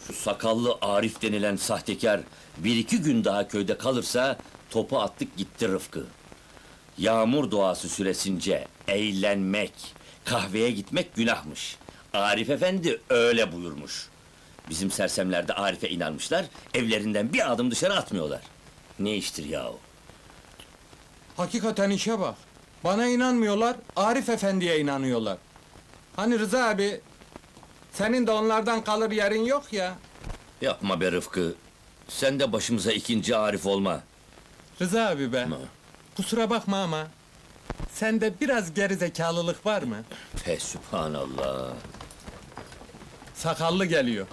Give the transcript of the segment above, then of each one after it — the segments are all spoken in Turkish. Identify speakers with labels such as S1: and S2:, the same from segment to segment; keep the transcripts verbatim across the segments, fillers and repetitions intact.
S1: Şu sakallı Arif denilen sahtekar bir iki gün daha köyde kalırsa topu attık gitti Rıfkı. Yağmur duası süresince eğlenmek, kahveye gitmek günahmış. Arif efendi öyle buyurmuş. Bizim sersemler de Arif'e inanmışlar, evlerinden bir adım dışarı atmıyorlar. Ne iştir yahu?
S2: Hakikaten işe bak. Bana inanmıyorlar, Arif Efendi'ye inanıyorlar. Hani Rıza abi, senin de onlardan kalır yerin yok ya.
S1: Yapma be Rıfkı, sen de başımıza ikinci Arif olma.
S2: Rıza abi be,
S1: Ma.
S2: kusura bakma ama... ...sende biraz gerizekalılık var mı?
S1: Fe sübhanallah.
S2: Sakallı geliyor.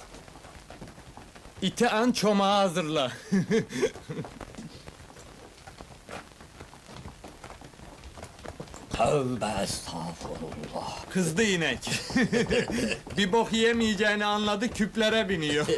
S2: İti an çomağı hazırla.
S1: Tövbe estağfurullah.
S2: Kızdı inek. Bir bok yiyemeyeceğini anladı, küplere biniyor.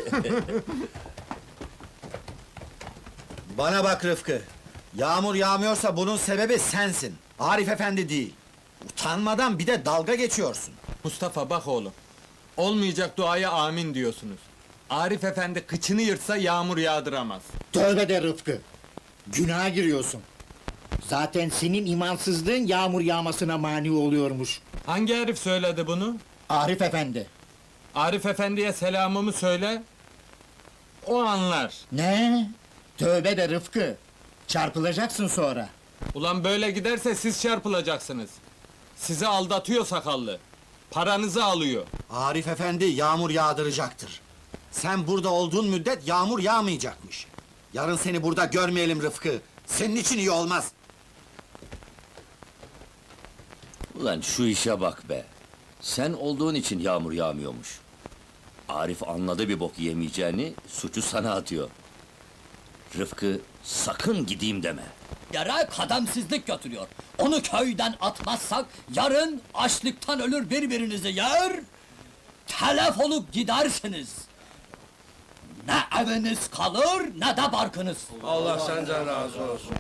S3: Bana bak Rıfkı. Yağmur yağmıyorsa bunun sebebi sensin. Arif Efendi değil. Utanmadan bir de dalga geçiyorsun.
S2: Mustafa bak oğlum. Olmayacak duaya amin diyorsunuz. Arif Efendi kıçını yırtsa yağmur yağdıramaz.
S4: Tövbe de Rıfkı! Günaha giriyorsun. Zaten senin imansızlığın yağmur yağmasına mani oluyormuş.
S2: Hangi herif söyledi bunu?
S4: Arif Efendi.
S2: Arif Efendi'ye selamımı söyle. O anlar.
S4: Ne? Tövbe de Rıfkı! Çarpılacaksın sonra.
S2: Ulan böyle giderse siz çarpılacaksınız. Sizi aldatıyor sakallı. Paranızı alıyor.
S3: Arif Efendi yağmur yağdıracaktır. Sen burada olduğun müddet yağmur yağmayacakmış. Yarın seni burada görmeyelim Rıfkı. Senin için iyi olmaz.
S1: Ulan şu işe bak be! Sen olduğun için yağmur yağmıyormuş. Arif anladı bir bok yemeyeceğini, suçu sana atıyor. Rıfkı, sakın gideyim deme!
S5: Yere kademsizlik götürüyor. Onu köyden atmazsak yarın açlıktan ölür birbirinizi yer, telef olup gidersiniz. Ne eviniz kalır ne de barkınız.
S6: Allah senden razı olsun.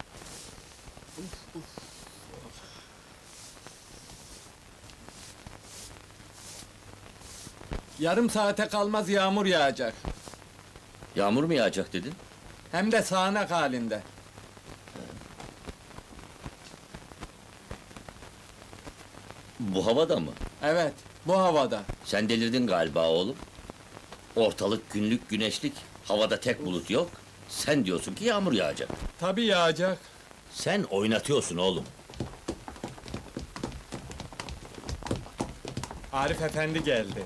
S2: Yarım saate kalmaz yağmur yağacak.
S1: Yağmur mu yağacak dedin?
S2: Hem de sağanak halinde.
S1: Bu havada mı?
S2: Evet, bu havada.
S1: Sen delirdin galiba oğlum. Ortalık günlük güneşlik, havada tek bulut yok. Sen diyorsun ki yağmur yağacak.
S2: Tabii yağacak.
S1: Sen oynatıyorsun oğlum.
S2: Arif Efendi geldi.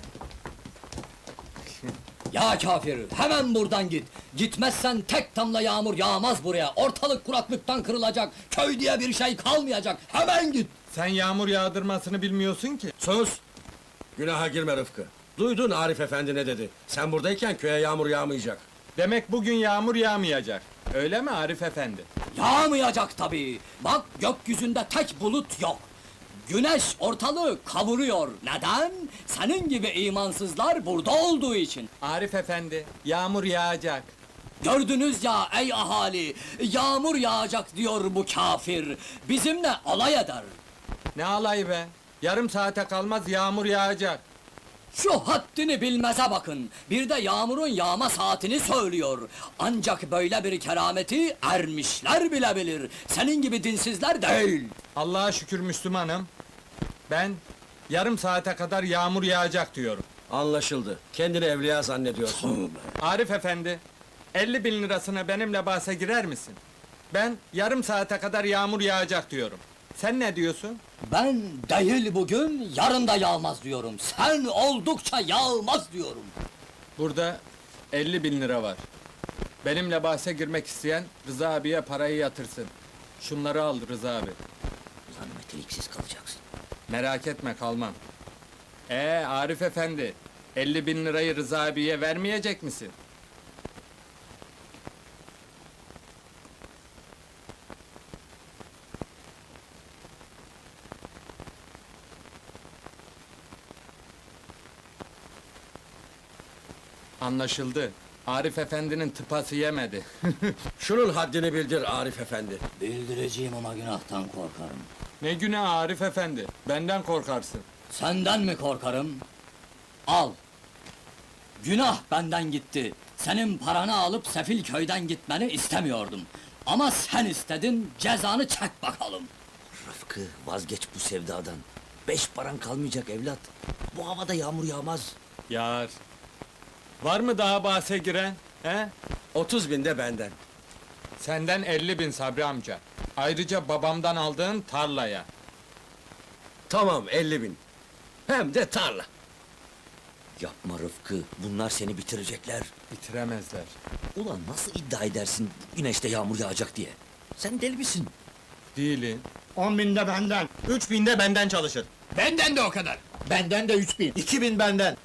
S5: Ya kafir, hemen buradan git. Gitmezsen tek damla yağmur yağmaz buraya. Ortalık kuraklıktan kırılacak. Köy diye bir şey kalmayacak. Hemen git.
S2: Sen yağmur yağdırmasını bilmiyorsun ki.
S6: Sus! Günaha girme Rıfkı. Duydun Arif Efendi ne dedi? Sen buradayken köye yağmur yağmayacak.
S2: Demek bugün yağmur yağmayacak. Öyle mi Arif Efendi?
S5: Yağmayacak tabii. Bak gökyüzünde tek bulut yok. Güneş ortalığı kavuruyor. Neden? Senin gibi imansızlar burada olduğu için.
S2: Arif Efendi, yağmur yağacak.
S5: Gördünüz ya ey ahali, yağmur yağacak diyor bu kafir. Bizimle alay eder.
S2: Ne alay be? Yarım saate kalmaz yağmur yağacak.
S5: Şu haddini bilmeze bakın. Bir de yağmurun yağma saatini söylüyor. Ancak böyle bir kerameti ermişler bile bilir. Senin gibi dinsizler değil.
S2: Allah'a şükür Müslümanım. Ben yarım saate kadar yağmur yağacak diyorum.
S6: Anlaşıldı. Kendini evliya zannediyorsun.
S2: Arif Efendi, elli bin lirasına benimle bahse girer misin? Ben yarım saate kadar yağmur yağacak diyorum. Sen ne diyorsun?
S5: Ben değil bugün, yarın da yağmaz diyorum. Sen oldukça yağmaz diyorum.
S2: Burada elli bin lira var. Benimle bahse girmek isteyen Rıza abiye parayı yatırsın. Şunları al Rıza abi.
S1: Ulan meteliksiz kalacaksın.
S2: Merak etme kalmam. Ee Arif Efendi, elli bin lirayı Rıza abiye vermeyecek misin? Anlaşıldı. Arif Efendi'nin tıpası yemedi.
S6: Şunun haddini bildir Arif Efendi.
S5: Bildireceğim ama günahtan korkarım.
S2: Ne günah Arif Efendi, benden korkarsın.
S5: Senden mi korkarım? Al. Günah benden gitti. Senin paranı alıp sefil köyden gitmeni istemiyordum. Ama sen istedin, cezanı çek bakalım.
S1: Rıfkı, vazgeç bu sevdadan. Beş paran kalmayacak evlat. Bu havada yağmur yağmaz.
S2: Yar. Var mı daha bahse giren? He?
S6: Otuz bin de benden.
S2: Senden elli bin Sabri amca. Ayrıca babamdan aldığın tarlaya.
S6: Tamam, elli bin. Hem de tarla.
S1: Yapma Rıfkı, bunlar seni bitirecekler.
S2: Bitiremezler.
S1: Ulan nasıl iddia edersin güneşte yağmur yağacak diye? Sen deli misin?
S2: Değilin.
S4: On binde benden.
S7: Üç binde benden çalışır.
S5: Benden de o kadar.
S4: Benden de üç bin.
S3: İki bin benden.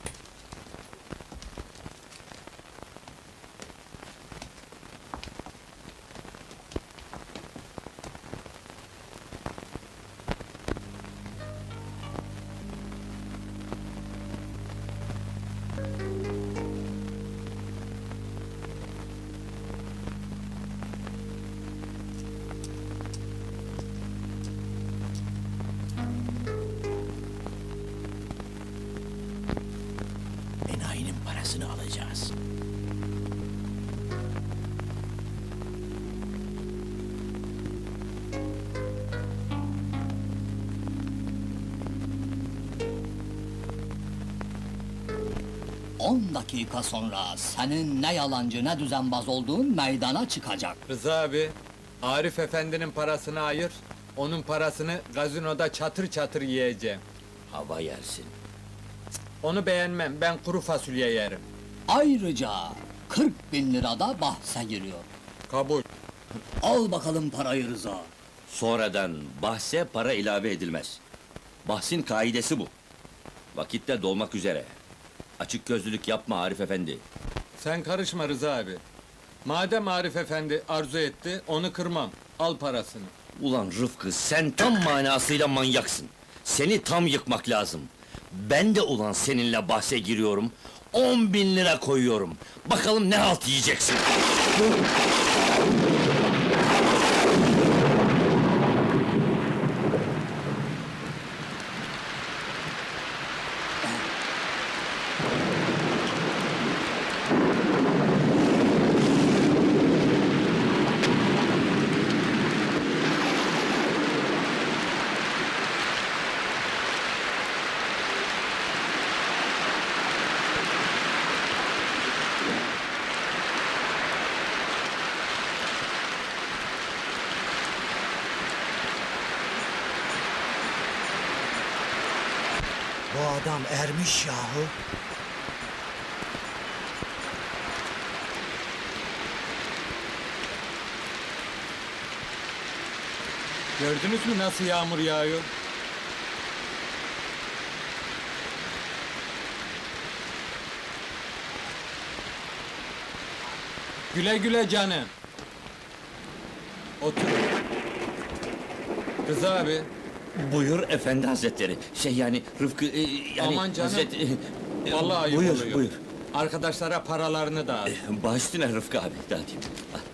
S1: Enayinin parasını alacağız.
S5: On dakika sonra senin ne yalancı ne düzenbaz olduğun meydana çıkacak.
S2: Rıza abi, Arif efendinin parasını ayır, onun parasını gazinoda çatır çatır yiyeceğim.
S1: Hava yersin.
S2: Onu beğenmem, ben kuru fasulye yerim.
S5: Ayrıca kırk bin lira da bahse giriyor.
S2: Kabul.
S5: Al bakalım parayı Rıza.
S1: Sonradan bahse para ilave edilmez. Bahsin kaidesi bu. Vakitte dolmak üzere. Açık gözlülük yapma Arif efendi.
S2: Sen karışma Rıza abi. Madem Arif efendi arzu etti, onu kırmam. Al parasını.
S1: Ulan Rıfkı, sen tam manasıyla manyaksın. Seni tam yıkmak lazım. Ben de ulan seninle bahse giriyorum. On bin lira koyuyorum. Bakalım ne halt yiyeceksin.
S3: Bu adam ermiş yahu.
S2: Gördünüz mü nasıl yağmur yağıyor? Güle güle canım. Otur. Rıza abi,
S1: Buyur efendi hazretleri. Şey yani Rıfkı e, yani
S2: Aman canım.
S1: hazret- e,
S2: vallahi ayıp
S1: buyur,
S2: oluyor.
S1: Buyur
S2: Arkadaşlara paralarını dağıt.
S1: Baş üstüne Rıfkı abi. Dağıtayım. Al.